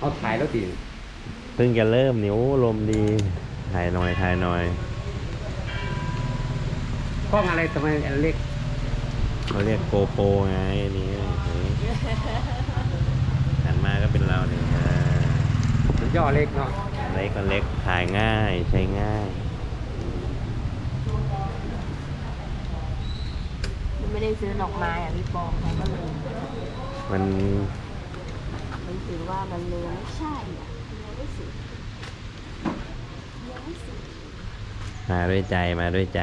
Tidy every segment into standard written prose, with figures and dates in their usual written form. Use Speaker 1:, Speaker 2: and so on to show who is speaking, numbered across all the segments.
Speaker 1: เขาถ่ายแล้วดิ
Speaker 2: เพิ่งจะเริ่มนิ้วลมดีถ่ายหน่อยถ่ายหน่อย
Speaker 1: กล้องอะไรทำไมอันเล็ก
Speaker 2: เขาเรียกโกโปรไงอันนี้หันมาก็เป็นเราเนี่ย
Speaker 1: มันย่อเล็กเนาะ
Speaker 2: เล็กก็เล็กถ่ายง่ายใช้ง่าย
Speaker 3: ไม่ได้ซื้อดอกไม้อ่ะพี่ปองใครก็เลย
Speaker 2: มัน
Speaker 3: มันถือว่ามันเลยไม่ใช่อ่ะยังไม่สุดยังไม่สุด
Speaker 2: มาด้วยใจมาด้วยใจ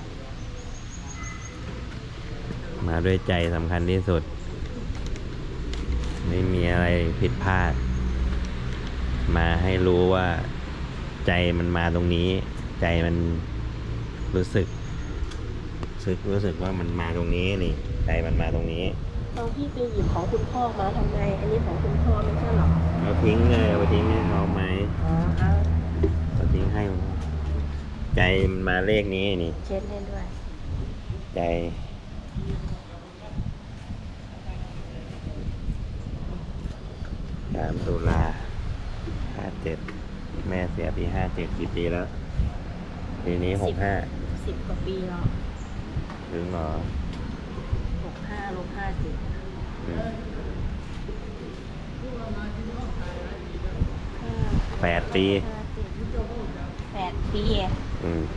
Speaker 2: มาด้วยใจสำคัญที่สุด ไม่มีอะไรผิดพลาด มาให้รู้ว่าใจมันมาตรงนี้ ใจมันรู้สึกว่ามันมาตรงนี้นี่ใจมันมาตรงนี้
Speaker 3: ตอนพี่ไปหยิบของคุณพ่อมาทำไมอันนี้ของคุณพ่อไม่ใช่หรอ
Speaker 2: เอาทิ้งเลยเอาทิ้งให้เขาไหม
Speaker 3: อ๋อเอา
Speaker 2: เอาทิ้งให้ใจมันมาเลขนี้นี่
Speaker 3: เช็ดให้ด้วย
Speaker 2: ใจ3 ตุลา 57แม่เสียปี57กี่ปีแล้วปีนี้65
Speaker 3: 10 กว่าปีแล้ว
Speaker 2: ถึงเหรอ
Speaker 3: 65 ลบ 57
Speaker 2: อืม8 ปี
Speaker 3: 8 ปี
Speaker 2: อืม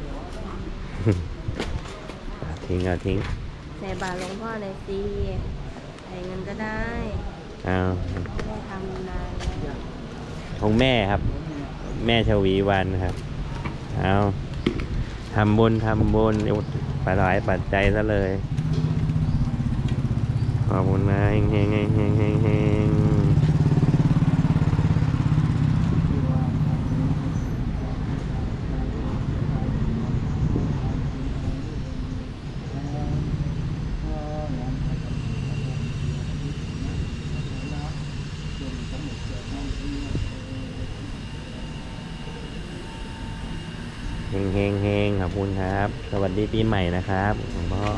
Speaker 2: ทิ้งเอาทิ้ง
Speaker 3: ใส่บาตรหลวงพ่อเลยสิใส่เงินก็ได้
Speaker 2: เอา
Speaker 3: ไม่ได้ทำนานแล้ว
Speaker 2: ของแม่ครับ แม่ชวีวันครับ เอาทำบุญปถวายปัจจัยซะเลย ขอบคุณนะเฮงเฮงเฮงเฮงเฮงเฮงเฮงเฮงเฮงขอบคุณครับ สวัสดีปีใหม่นะครับหลวงพ่อ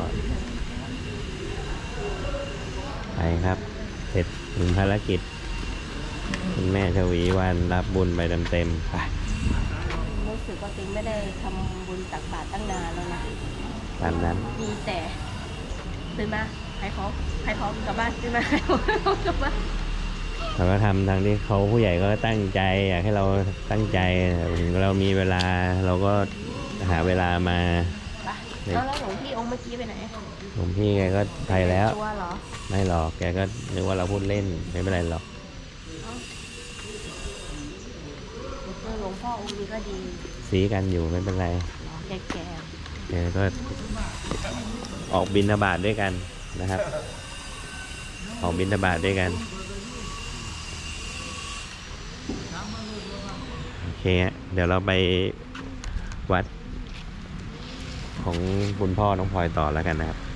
Speaker 2: ไปครับ เสร็จถึงภารกิจคุณแม่ชวีวันรับบุญไปเต็มๆไป
Speaker 3: รู้สึกว่าตัวเองไม่ได้ทำบุญตักบาตรตั้งนานแล้วนะ
Speaker 2: ตามนั้น
Speaker 3: มีแต่ตื่นมาขายของกลับบ้านตื่นมาขายของกลับบ้าน
Speaker 2: เราก็ทำทางที่เขาผู้ใหญ่ก็ตั้งใจอยากให้เราตั้งใจถึงเรามีเวลาเราก็หาเวลามา
Speaker 3: ไปแล้วหลวงพี่องค์เมื่อกี้ไปไหน
Speaker 2: หลวงพี่แกก็ไปแล้ว
Speaker 3: ตัวเหรอ
Speaker 2: ไม่หรอกแกก็นึกว่าเราพูดเล่นไม่เป็นไรหรอก
Speaker 3: หลวงพ่อองค์นี้ก็ดี
Speaker 2: ซีกันอยู่ไม่เป็นไร
Speaker 3: แก่
Speaker 2: แกก็ออกบิณฑบาตด้วยกันนะครับ ออกบิณฑบาตด้วยกันโอเคฮะเดี๋ยวเราไปวัดของคุณพ่อน้องพลอยต่อแล้วกันนะครับ